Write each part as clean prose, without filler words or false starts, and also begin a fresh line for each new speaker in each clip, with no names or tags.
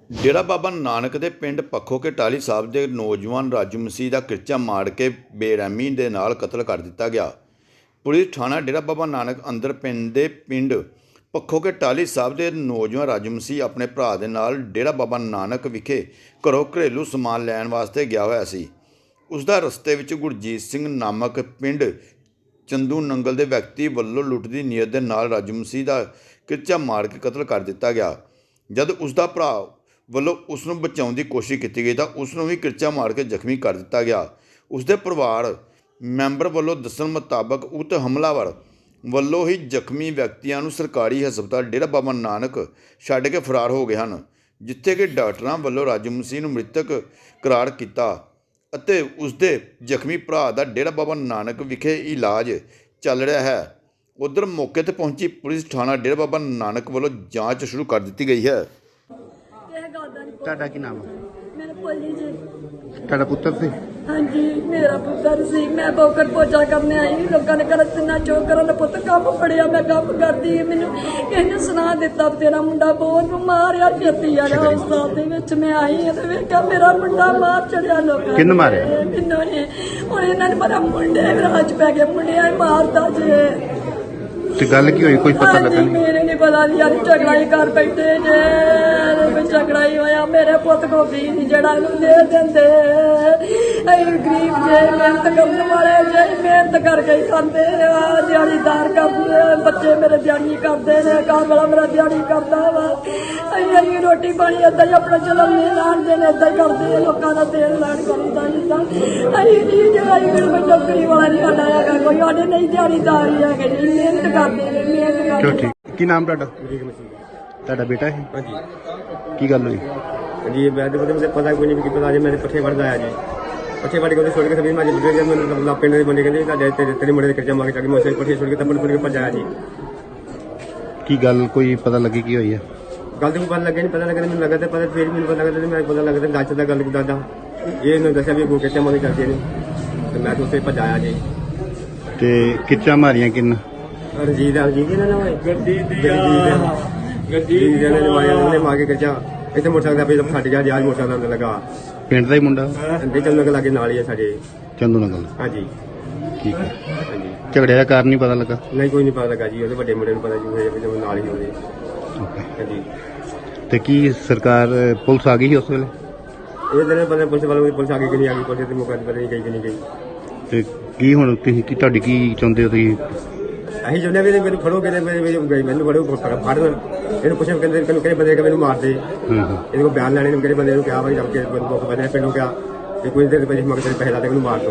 ਡੇਰਾ ਬਾਬਾ ਨਾਨਕ ਦੇ ਪਿੰਡ ਪੱਖੋ ਕੇ ਟਾਹਲੀ ਸਾਹਿਬ ਦੇ ਨੌਜਵਾਨ ਰਾਜੂ ਮਸੀਹ ਦਾ ਕਿਰਚਾ ਮਾਰ ਕੇ ਬੇਰਹਿਮੀ ਦੇ ਨਾਲ ਕਤਲ ਕਰ ਦਿੱਤਾ ਗਿਆ। ਪੁਲਿਸ ਥਾਣਾ ਡੇਰਾ ਬਾਬਾ ਨਾਨਕ ਅੰਦਰ ਪਿੰਡ ਪੱਖੋ ਕੇ ਟਾਹਲੀ ਸਾਹਿਬ ਦੇ ਨੌਜਵਾਨ ਰਾਜੂ ਮਸੀਹ ਆਪਣੇ ਭਰਾ ਦੇ ਨਾਲ ਡੇਰਾ ਬਾਬਾ ਨਾਨਕ ਵਿਖੇ ਘਰੋਂ ਘਰੇਲੂ ਸਮਾਨ ਲੈਣ ਵਾਸਤੇ ਗਿਆ ਹੋਇਆ ਸੀ। ਉਸ ਦਾ ਰਸਤੇ ਵਿੱਚ ਗੁਰਜੀਤ ਸਿੰਘ ਨਾਮਕ ਪਿੰਡ ਚੰਦੂ ਨੰਗਲ ਦੇ ਵਿਅਕਤੀ ਵੱਲੋਂ ਲੁੱਟ ਦੀ ਨੀਅਤ ਦੇ ਨਾਲ ਰਾਜੂ ਮਸੀਹ ਦਾ ਕਿਰਚਾ ਮਾਰ ਕੇ ਕਤਲ ਕਰ ਦਿੱਤਾ ਗਿਆ। ਜਦ ਉਸ ਦਾ ਭਰਾ ਵੱਲੋਂ ਉਸ ਨੂੰ ਬਚਾਉਣ ਦੀ ਕੋਸ਼ਿਸ਼ ਕੀਤੀ ਗਈ ਤਾਂ ਉਸ ਨੂੰ ਵੀ ਕਿਰਚਾ ਮਾਰ ਕੇ ਜ਼ਖਮੀ ਕਰ ਦਿੱਤਾ ਗਿਆ। ਉਸ ਦੇ ਪਰਿਵਾਰ ਮੈਂਬਰ ਵੱਲੋਂ ਦੱਸਣ ਮੁਤਾਬਕ ਉਕਤ ਹਮਲਾਵਰ ਵੱਲੋਂ ਹੀ ਜ਼ਖਮੀ ਵਿਅਕਤੀਆਂ ਨੂੰ ਸਰਕਾਰੀ ਹਸਪਤਾਲ ਡੇਰਾ ਬਾਬਾ ਨਾਨਕ ਛੱਡ ਕੇ ਫਰਾਰ ਹੋ ਗਏ ਹਨ, ਜਿੱਥੇ ਕਿ ਡਾਕਟਰਾਂ ਵੱਲੋਂ ਰਾਜੂ ਮਸੀਹ ਨੂੰ ਮ੍ਰਿਤਕ ਕਰਾਰ ਕੀਤਾ ਅਤੇ ਉਸ ਦੇ ਜ਼ਖਮੀ ਭਰਾ ਦਾ ਡੇਰਾ ਬਾਬਾ ਨਾਨਕ ਵਿਖੇ ਇਲਾਜ ਚੱਲ ਰਿਹਾ ਹੈ। ਉਧਰ ਮੌਕੇ 'ਤੇ ਪਹੁੰਚੀ ਪੁਲਿਸ ਥਾਣਾ ਡੇਰਾ ਬਾਬਾ ਨਾਨਕ ਵੱਲੋਂ ਜਾਂਚ ਸ਼ੁਰੂ ਕਰ ਦਿੱਤੀ ਗਈ ਹੈ।
ਤੁਹਾਡਾ ਕੀ ਨਾਮ ਹੈ?
मेरे पोली जी।
ਤੁਹਾਡਾ ਪੁੱਤਰ ਸੀ?
हाँ जी, मेरा पुत्र सी। मैं बोकर पोचा करने आई, लोगों ने कर तिना चो करन पुत कम पड़िया, मैं कम करदी मैनू किसने सुना दिता तेरा मुंडा बहुत मारिया छेती यार हस्पताल दे विच मैं आई ते वेखिया मेरा मुंडा मार चढ़िया लोकां
किन्न मारिया?
मैनू ने हुण इन्हां ने पता मुंडे राज पै गए, मुंडिया मारदा जे
ਤੇ ਗੱਲ ਕੀ ਹੋਈ, ਕੋਈ ਪਤਾ ਲੱਗਾ ਨਹੀਂ?
मेरे नहीं पता यार झगड़ा ही कर बैठे जे झगड़ा ही होया। मेरे पुत को भी नहीं जड़ा दे देंदे, गरीब जे मेहनत करने वाले जे मेहनत करके ही खाते दिहाड़ीदार करते बच्चे मेरे दिहाड़ी करते ने, घर वाला मेरा दिहाड़ी करता वा। अं रोटी पानी इदा ही अपना चलाने लाने इदा ही करते लोगों का तेल लैन करता जिदा कोई नौकरी वाला नहीं साडा है, कोई साडे नहीं दिहाड़ीदार ही है, मेहनत करते ने मेहनत
ਚਲੋ
करते।
ਠੀਕ। ਕੀ ਨਾਮ ਤੁਹਾਡਾ? ਤੁਹਾਡਾ ਬੇਟਾ ਹੈ?
हाँ जी
ਕੀ ਗੱਲ ਹੋਈ?
जी मैं तो मुझे पता कोई नहीं कि पता जी मैंने पट्ठे बढ़ आया जी पट्ठे बढ़ के छोड़ के सभी माजी बुढ़े जब मैंने पिंड बने कहते तेरे मुंडे के कर्जा मांगे जाके मैं पट्ठे छोड़ के तब छोड़ के भज आया जी।
ਕੀ ਗੱਲ ਕੋਈ ਪਤਾ ਲੱਗੀ ਕੀ ਹੋਈ ਹੈ?
गल तो पता लगे नहीं, पता लगे मैंने लगा पता फिर मैंने पता लगा मैं पता लगा गच का गल दादा ये इन्होंने दसा भी कर्जा मांगे करते हैं तो मैं तो उसे भज आया जी।
ਤੇ ਕਿੱਚਾ ਮਾਰੀਆਂ ਕਿੰਨ?
रंजीत रंजीत ना नाम है गड्डी मार के कर्जा इतने मोटरसाइकिल पे फट गया जी। आज मोटरसाइकिल लगा
ਪਿੰਡ ਦਾ ਹੀ ਮੁੰਡਾ?
अंडे चलने के लागे नाल ही है साढ़े।
ਚੰਦੂ ਨਗਲ?
हाँ जी
ਠੀਕ ਹੈ।
हाँ जी
ਝਗੜੇ ਦਾ ਕਾਰਨ ਨਹੀਂ ਪਤਾ ਲੱਗਾ?
नहीं कोई नहीं पता लगा जी, ਉਹਦੇ ਵੱਡੇ ਮੁੰਡੇ ਨੂੰ ਪਤਾ ਜੀ ਹੋਇਆ ਜਦੋਂ ਨਾਲ ਹੀ ਹੋਵੇ।
ਓਕੇ।
ਹਾਂਜੀ
ਤੇ ਕੀ ਸਰਕਾਰ ਪੁਲਿਸ ਆ ਗਈ ਸੀ ਉਸ ਵੇਲੇ?
ਇਹ ਦਿਨ ਪਤਾ ਪੁਲਿਸ ਵਾਲੇ ਪੁਲਿਸ ਆ ਗਈ ਕਿ ਨਹੀਂ ਆ ਗਈ, ਪੁਲਿਸ ਦੇ ਮੌਕੇ ਤੇ ਪਤਾ ਨਹੀਂ ਗਈ ਕਿ ਨਹੀਂ ਗਈ।
ਤੇ ਕੀ ਹੁਣ ਤੁਸੀਂ ਕੀ ਤੁਹਾਡੀ ਕੀ ਚਾਹੁੰਦੇ ਹੋ ਤੁਸੀਂ?
ਅਸੀਂ ਚਾਹੁੰਦੇ ਵੀ ਮੈਨੂੰ ਫੜੋ ਕਿਤੇ ਗਈ ਮੈਨੂੰ ਫੜੋ ਫੜ ਇਹਨੂੰ ਪੁੱਛੇ ਕਹਿੰਦੇ ਕਿਹੜੇ ਬੰਦੇ ਕਿ ਮੈਨੂੰ ਮਾਰ ਦੇ।
ਹਾਂ।
ਇਹਦੇ ਕੋਲ ਬਿਆਨ ਲੈਣੇ ਨੂੰ ਕਿਹੜੇ ਬੰਦੇ ਨੂੰ ਕਿਹਾ ਭਾਈ ਜਦ ਕੇ ਮੁੱਖ ਬੰਦੇ ਪਿੰਡੋਂ ਕਿਹਾ ਕਿ ਕੋਈ ਦੇਰ ਪਹਿਲੇ ਮਗਰ ਪੈਸੇ ਲਾ ਦੇ ਮੈਨੂੰ ਮਾਰ ਦੋ।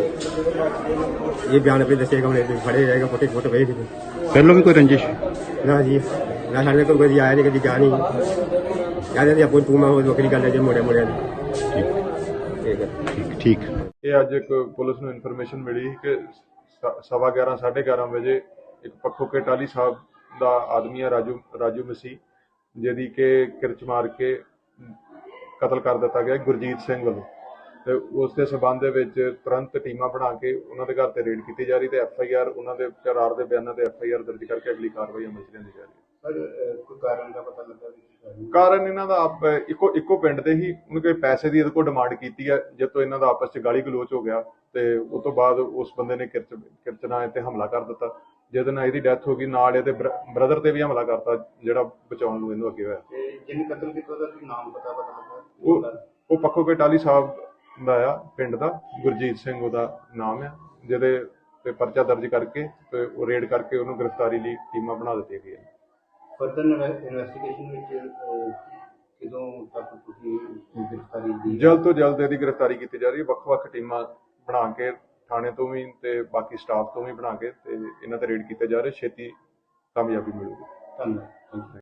ਇਹ ਬਿਆਨ ਆਪੇ ਦੱਸੇਗਾ ਹੁਣ ਫੜੇ ਜਾਏਗਾ ਫੋਟੇ ਫੋਟੋ ਵੇਖ
ਪਹਿਲਾਂ ਵੀ ਕੋਈ ਰੰਜਿਸ਼?
ਨਾ ਜੀ ਨਾ ਸਾਡੇ ਕੋਲ ਕਦੀ ਆਇਆ ਨਹੀਂ ਕਦੀ ਗਿਆ ਨਹੀਂ ਯਾਰ ਇਹਦੀ ਆਪੋ ਤੂੰ ਮੈਂ ਹੋਰ ਵੱਖਰੀ ਗੱਲ ਹੈ ਜੇ ਮੋੜਿਆਂ ਮੋੜਿਆਂ ਦੀ। ਠੀਕ ਹੈ
ਠੀਕ ਠੀਕ।
ਇਹ ਅੱਜ ਇੱਕ ਪੁਲਿਸ ਨੂੰ ਇਨਫੋਰਮੇਸ਼ਨ ਮਿਲੀ ਕਿ 11:15 11:30 ਵਜੇ ਇੱਕ ਪੱਖੋ ਕੇ ਟਾਹਲੀ ਸਾਹਿਬ ਦਾ ਆਦਮੀ ਹੈ ਰਾਜੂ ਮਸੀਹ, ਜਿਹਦੀ ਕਿ ਕਿਰਚ ਮਾਰ ਕੇ ਕਤਲ ਕਰ ਦਿੱਤਾ ਗਿਆ ਗੁਰਜੀਤ ਸਿੰਘ ਵੱਲੋਂ। ਤੇ ਉਸ ਦੇ ਸਬੰਧ ਦੇ ਵਿੱਚ ਤੁਰੰਤ ਟੀਮਾਂ ਬਣਾ ਕੇ ਉਹਨਾਂ ਦੇ ਘਰ ਤੇ ਰੇਡ ਕੀਤੀ ਜਾ ਰਹੀ ਤੇ FIR ਉਹਨਾਂ ਦੇ ਕਰਾਰ ਦੇ ਬਿਆਨਾਂ ਤੇ FIR ਦਰਜ ਕਰਕੇ ਅਗਲੀ ਕਾਰਵਾਈ ਅਮਲ ਚ ਲਿਆਂਦੀ ਜਾ ਰਹੀ ਹੈ।
ਕੋਈ ਕਾਰਨ ਦਾ ਪਤਾ ਲੱਗਾ
ਕਾਰਨ ਇਹਨਾਂ ਦਾ ਇੱਕੋ ਪਿੰਡ ਦੇ ਹੀ ਉਹਨੇ ਕੋਈ ਪੈਸੇ ਦੀ ਇਹਦੇ ਕੋਲ ਡਿਮਾਂਡ ਕੀਤੀ ਹੈ, ਜਦ ਤੋਂ ਇਹਨਾਂ ਦਾ ਆਪਸ ਚ ਗਾਲੀ ਗਲੋਚ ਹੋ ਗਿਆ ਤੇ ਉਸ ਤੋਂ ਬਾਅਦ ਉਸ ਬੰਦੇ ਨੇ ਕਿਰਚ ਨਾਲ ਤੇ ਹਮਲਾ ਕਰ ਦਿੱਤਾ, ਜਿਹਦੇ ਨਾਲ ਇਹਦੀ ਡੈਥ ਹੋ ਗਈ। ਨਾਲ ਇਹਦੇ ਬ੍ਰਦਰ ਤੇ ਵੀ ਹਮਲਾ ਕਰਤਾ ਜਿਹੜਾ ਬਚਾਉਣ ਨੂੰ ਇਹਨੂੰ ਅੱਗੇ ਹੋਇਆ।
ਜਿਹਨੇ ਕਤਲ ਕੀਤਾ ਉਹਦਾ ਨਾਮ ਪਤਾ ਲੱਗਾ?
ਉਹ ਪੱਖੋ ਕੇ ਟਾਹਲੀ ਸਾਹਿਬ ਦਾ ਆ ਪਿੰਡ ਦਾ, ਗੁਰਜੀਤ ਸਿੰਘ ਉਹਦਾ ਨਾਮ ਆ, ਜਿਹਦੇ ਤੇ ਪਰਚਾ ਦਰਜ ਕਰਕੇ ਤੇ ਉਹ ਰੇਡ ਕਰਕੇ ਉਹਨੂੰ ਗ੍ਰਿਫਤਾਰੀ ਲਈ ਟੀਮਾਂ ਬਣਾ ਦਿੱਤੀਆਂ ਗਈਆਂ।
ਫਰਦਰ ਇਨਵੈਸਟੀਗੇਸ਼ਨ ਵਿੱਚ ਕਿਦੋਂ ਤੱਕ ਤੁਸੀਂ ਗ੍ਰਿਫਤਾਰੀ ਦੀ?
ਜਲਦ ਤੋਂ ਜਲਦ ਇਹਦੀ ਗ੍ਰਿਫਤਾਰੀ ਕੀਤੀ ਜਾ ਰਹੀ ਹੈ। ਵੱਖ-ਵੱਖ ਟੀਮਾਂ ਬਣਾ ਕੇ ਥਾਣੇ ਤੋਂ ਵੀ ਤੇ ਬਾਕੀ ਸਟਾਫ ਤੋਂ ਵੀ ਬਣਾ ਕੇ ਤੇ ਇਹਨਾਂ ਤੇ ਰੇਡ ਕੀਤੇ ਜਾ ਰਹੇ, ਛੇਤੀ ਕਾਮਯਾਬੀ ਮਿਲੂਗੀ।
ਧੰਨਵਾਦ।